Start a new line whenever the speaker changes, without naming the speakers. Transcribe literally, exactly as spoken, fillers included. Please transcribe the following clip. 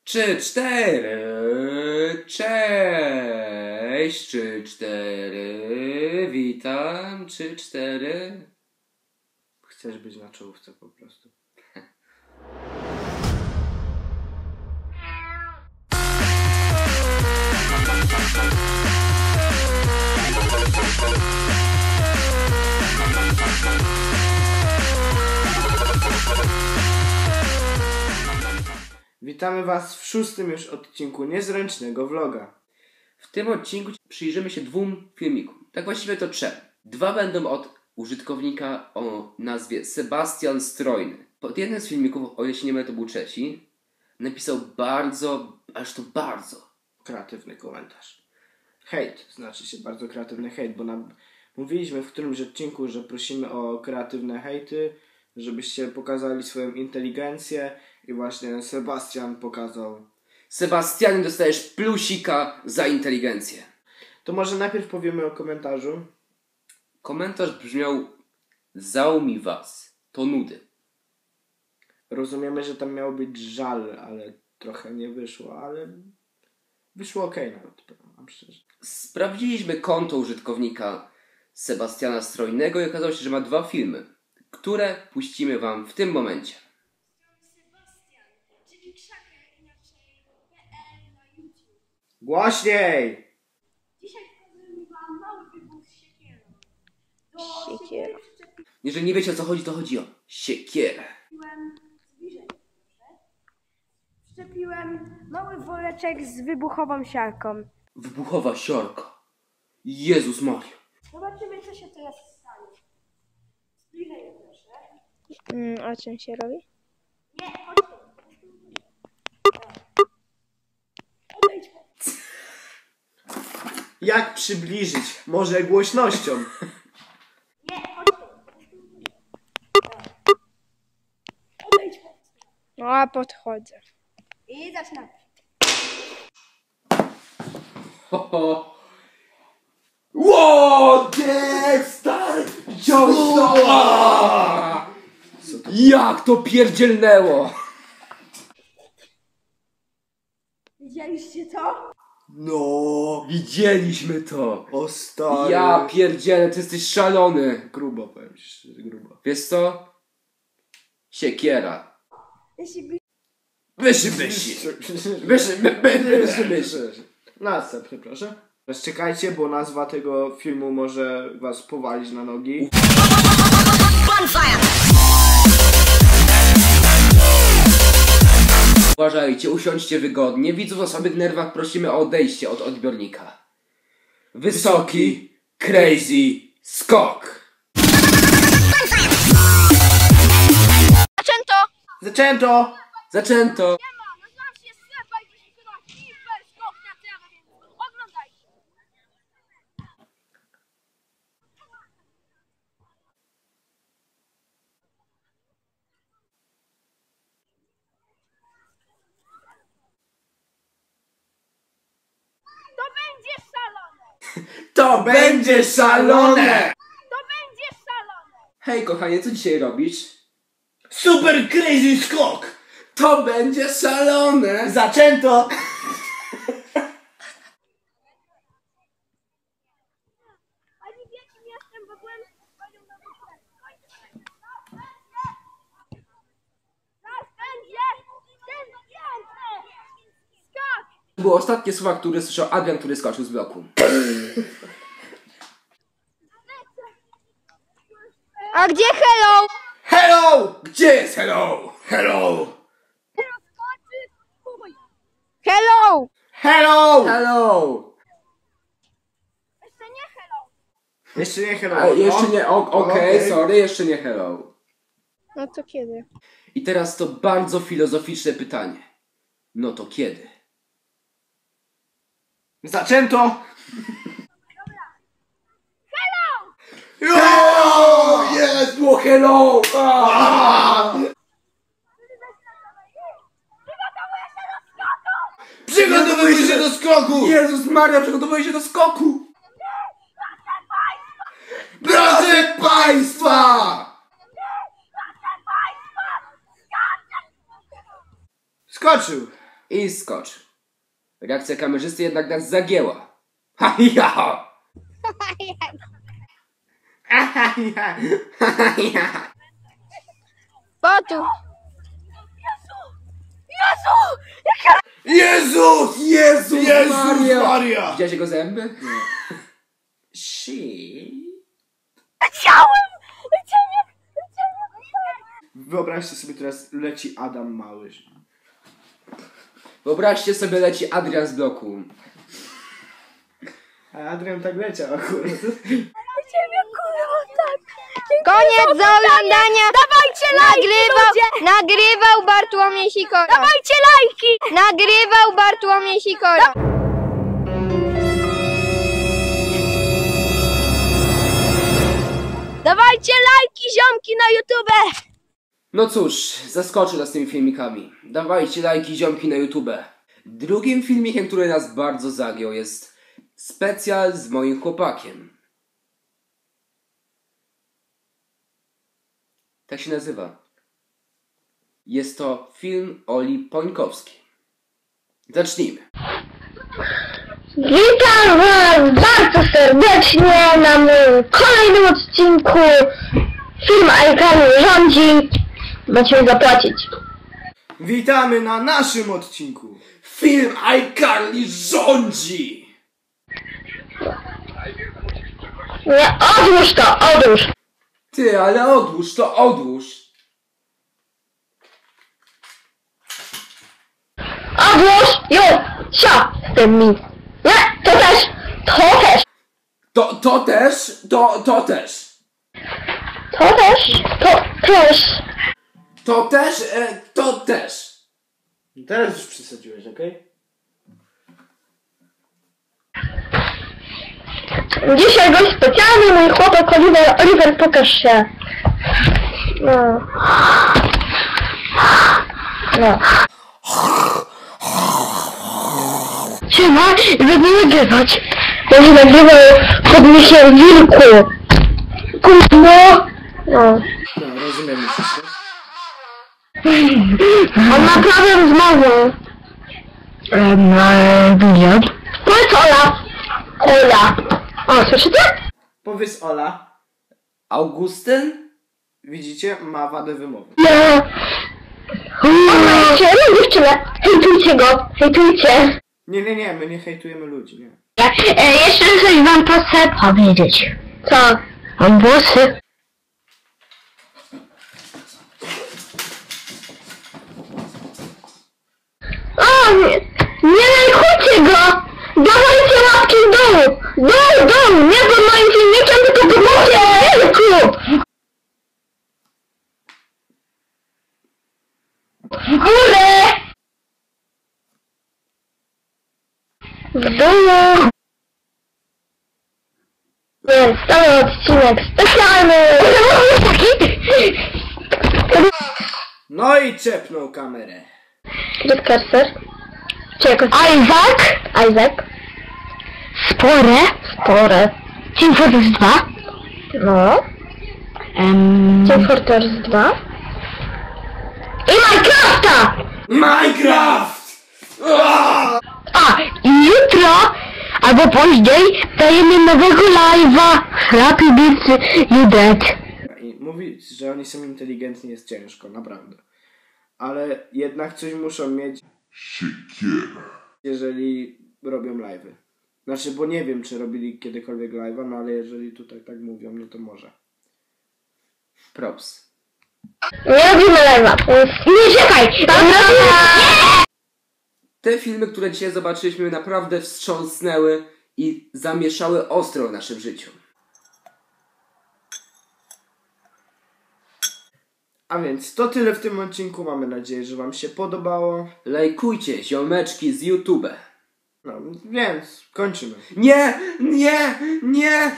Trzy, cztery, cześć, trzy, cztery, witam, trzy, cztery.
Chcesz być na czołówce po prostu. Witamy Was w szóstym już odcinku niezręcznego vloga.
W tym odcinku przyjrzymy się dwóm filmikom. Tak właściwie to trzem. Dwa będą od użytkownika o nazwie Sebastian Strojny. Pod jednym z filmików, o ile się nie mylę, to był trzeci, napisał bardzo, aż to bardzo
Kreatywny komentarz. Hejt, znaczy się bardzo kreatywny hejt, bo nam mówiliśmy w którymś odcinku, że prosimy o kreatywne hejty, żebyście pokazali swoją inteligencję i właśnie Sebastian pokazał.
Sebastianie, dostajesz plusika za inteligencję.
To może najpierw powiemy o komentarzu.
Komentarz brzmiał: zał mi was, to nudy.
Rozumiemy, że tam miał być żal, ale trochę nie wyszło, ale wyszło okej nawet, powiem wam szczerze.
Sprawdziliśmy konto użytkownika Sebastiana Strojnego i okazało się, że ma dwa filmy, które puścimy wam w tym momencie.
Sebastian, czyli Krzaker, inaczej P L na YouTube.
Głośniej!
Dzisiaj pokazuję wam mały wybuch z siekierą. Do
Siekiera.
siekiery
Jeżeli nie wiecie, o co chodzi, to chodzi o siekierę.
przyczepiłem, zbliżej proszę, przyczepiłem mały woreczek z wybuchową siarką.
Wybuchowa siorka. Jezus Maria.
Zobaczymy, co się teraz stanie. Zbliżej proszę.
Mm, a czym się robi?
Nie, chodźcie. Odejdź.
Jak przybliżyć? Może głośnością?
Nie, chodźcie. Odejdź.
No a podchodzę.
I zaczynamy.
Ho, ho. Ło, nie, stary! Wziąłeś to! A! Jak to pierdzielnęło!
Widzieliście to?
No,
Widzieliśmy to!
o stary.
Ja pierdzielę, ty jesteś szalony!
Grubo, powiem ci szczerze, grubo.
Wiesz co? Siekiera.
Jeśli by...
Wyszy, wysi! Wyszy, my, my, wyszy, wyszy.
Następny, proszę. Teraz czekajcie, bo nazwa tego filmu może was powalić na nogi.
Uważajcie, usiądźcie wygodnie. Widzów o słabych nerwach prosimy o odejście od odbiornika. Wysoki, crazy, skok!
Zaczęto!
Zaczęto!
Zaczęto!
Nazywam się Seba i dzisiaj wykonać hiper skok na trawę, więc oglądajcie. To będzie szalone!
To będzie szalone!
To będzie szalone!
Hej kochanie, co dzisiaj robisz?
Super crazy skok!
To będzie szalone!
Zaczęto!
A nie wiecie, jestem, bo byłem z panią na wycieczce. Zaraz będzie! Ten piękny! Skok!
To były ostatnie słowa, które słyszał Adrian, który skoczył z bloku.
A gdzie hello?
Hello! Gdzie jest hello? Hello!
Skoczy! Chuj!
Hello!
Hello!
Hello!
Jeszcze nie hello!
Jeszcze nie hello.
A, jeszcze
no.
nie, o- okej,
Okej.
sorry, jeszcze nie hello.
No to kiedy?
I teraz to bardzo filozoficzne pytanie. No to kiedy?
Zaczęto!
Hello! Jest, było hello! Ah!
Przygotowuję się do skoku!
Przygotowuj się do skoku!
Jezus Maria, przygotowuję się do skoku!
Drodzy Państwa! Skoczył!
I skocz. Reakcja kamerzysty jednak nas zagięła. Ha ja! Ha ja!
Potu.
Jezus!
Jezus
Jezus
Maria!
Maria!
Widziałeś jego zęby?
Shit.
Leciałem! Leciałem! Leciałem!
Wyobraźcie sobie, teraz leci Adam Mały.
Wyobraźcie sobie, leci Adrian z bloku.
A Adrian tak leciał akurat.
Leciałem jak kurwa, tak!
Koniec do oglądania.
Dawajcie lajki,
Nagrywał,
ludzie!
nagrywał Bartłomiej Sikora.
Dawajcie lajki!
Nagrywał Bartłomiej Sikora.
Dawajcie lajki, ziomki na YouTube!
No cóż, zaskoczył nas tymi filmikami. Dawajcie lajki, ziomki na YouTube. Drugim filmikiem, który nas bardzo zagiął, jest specjal z moim chłopakiem. Tak się nazywa. Jest to film Oli Pońkowskiej. Zacznijmy.
Witam Was bardzo serdecznie na moim kolejnym odcinku. Film iCarly rządzi. Macie mi zapłacić.
Witamy na naszym odcinku.
Film iCarly rządzi!
Nie, odłóż to, odłóż.
Ty, ale odłóż to, odłóż!
Odłóż, już, sio, z tym mi. Nie, to też, to też,
To, to też, to, to też.
to też, to też.
To też, e, to też.
Teraz już przesadziłeś, okej?
Dzisiaj gość specjalny, mój chłopak Oliver, Oliver, pokaż się. No. No. Siema, będę nagrywać. Będę nagrywał pod misiem wilku. Kurwa. No.
No, rozumiemy wszystko.
On ma problem z mową. Na wywiad. Powiedz Ola. Ola. O, słyszycie?
Powiedz Ola.
Augustyn?
Widzicie? Ma wadę wymowy.
No. Oznajcie, no dziewczynę. Hejtujcie go. Hejtujcie.
Nie, nie, nie, my nie hejtujemy ludzi, nie.
E, jeszcze coś wam chcę powiedzieć. Co? Mam włosy. O, nie, nie lajkujcie go! Dawajcie łapki w dół! Dół, dół! Nie pod moim filmikiem, tylko pod moim filmiku! W górę! W dół! Więc cały odcinek specjalny!
No i czepnął kamerę.
Jest cursor. Czy jakoś... Isaac! Isaac. Spore. Spore. Team Fortress dwa. No. Um... Team Fortress dwa. I Minecrafta!
Minecraft!
A, i jutro, albo później, dajemy nowego live'a. Happy Birthday, you dead.
I mówić, że oni są inteligentni jest ciężko, naprawdę. Ale jednak coś muszą mieć, jeżeli robią live'y. Znaczy, bo nie wiem, czy robili kiedykolwiek live'a, no ale jeżeli tutaj tak mówią, no to może.
Props.
Nie robimy live'a. Nie czekaj!
Te filmy, które dzisiaj zobaczyliśmy, naprawdę wstrząsnęły i zamieszały ostro w naszym życiu.
A więc to tyle w tym odcinku. Mamy nadzieję, że wam się podobało.
Lajkujcie, ziomeczki z YouTube.
No, więc kończymy.
Nie, nie, nie!